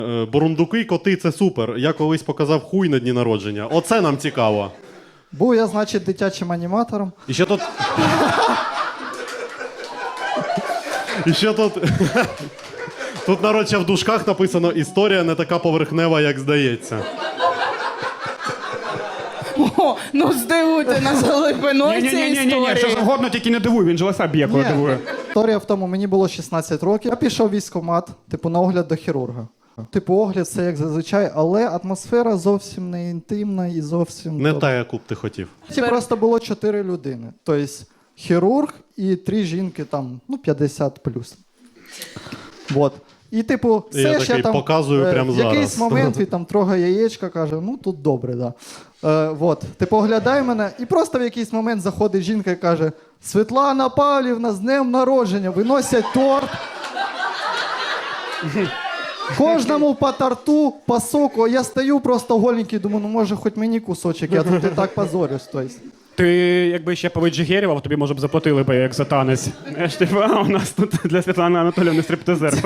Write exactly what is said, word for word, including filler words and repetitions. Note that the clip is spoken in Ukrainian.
Е, Бурундуки, коти – це супер. Я колись показав хуй на дні народження. Оце нам цікаво. Був я, значить, дитячим аніматором. І ще тут... І ще тут... Тут, народ, ще в дужках написано «Історія не така поверхнева, як здається». О, ну здивуйте нас глибиною цієї Ні-ні-ні, що історії. завгодно, тільки не дивуй, він же лоса б'є, коли Ні. дивує. Історія в тому, мені було шістнадцять років. Я пішов в військкомат, типу, на огляд до хірурга. Типу, огляд це як зазвичай, але атмосфера зовсім не інтимна і зовсім... Не тобто, та, яку б ти хотів. Ті просто було чотири людини. Тобто хірург і три жінки там, ну, п'ятдесят плюс. Вот. І, типу, все Я ще такий там... показую е, прямо в якийсь зараз. момент він там трогає яєчка, каже, ну, тут добре, да. Е, вот. Типу, оглядає мене, і просто в якийсь момент заходить жінка і каже, Світлана Павлівна, з днем народження, виносять торт. Кожному по торту, по соку. Я стою просто голенький, думаю, ну може хоч мені кусочок, я тут і так позорюсь. Тобто. Ти якби ще повиджигерював, тобі може б заплатили б як за танець. Знаєш, типу, а у нас тут для Світлани Анатоліївни стриптизер.